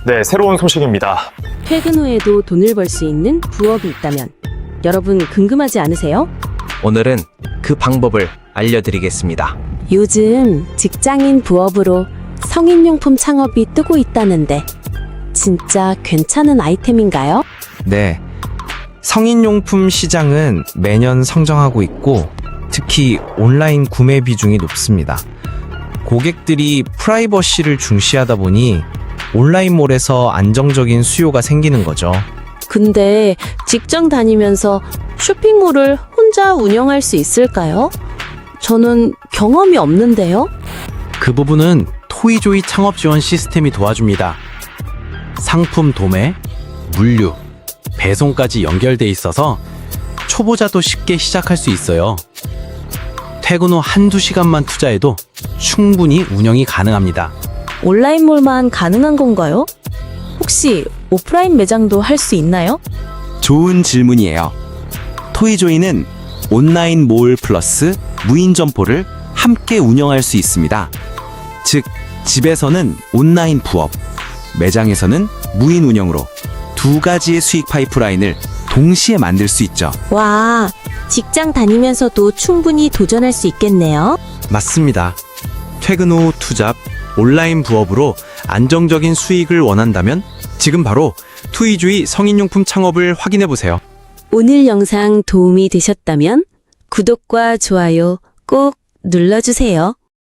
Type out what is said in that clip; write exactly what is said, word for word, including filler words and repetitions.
네, 새로운 소식입니다. 퇴근 후에도 돈을 벌 수 있는 부업이 있다면 여러분 궁금하지 않으세요? 오늘은 그 방법을 알려드리겠습니다. 요즘 직장인 부업으로 성인용품 창업이 뜨고 있다는데 진짜 괜찮은 아이템인가요? 네. 성인용품 시장은 매년 성장하고 있고 특히 온라인 구매 비중이 높습니다. 고객들이 프라이버시를 중시하다 보니 온라인몰에서 안정적인 수요가 생기는 거죠. 근데 직장 다니면서 쇼핑몰을 혼자 운영할 수 있을까요? 저는 경험이 없는데요. 그 부분은 토이조이 창업 지원 시스템이 도와줍니다. 상품 도매, 물류, 배송까지 연결돼 있어서 초보자도 쉽게 시작할 수 있어요. 퇴근 후 한두 시간만 투자해도 충분히 운영이 가능합니다. 온라인몰만 가능한 건가요? 혹시 오프라인 매장도 할 수 있나요? 좋은 질문이에요. 토이조이는 온라인 몰 플러스 무인 점포를 함께 운영할 수 있습니다. 즉, 집에서는 온라인 부업, 매장에서는 무인 운영으로 두 가지의 수익 파이프라인을 동시에 만들 수 있죠. 와, 직장 다니면서도 충분히 도전할 수 있겠네요. 맞습니다. 퇴근 후 투잡, 온라인 부업으로 안정적인 수익을 원한다면 지금 바로 토이조이 성인용품 창업을 확인해보세요. 오늘 영상 도움이 되셨다면 구독과 좋아요 꼭 눌러주세요.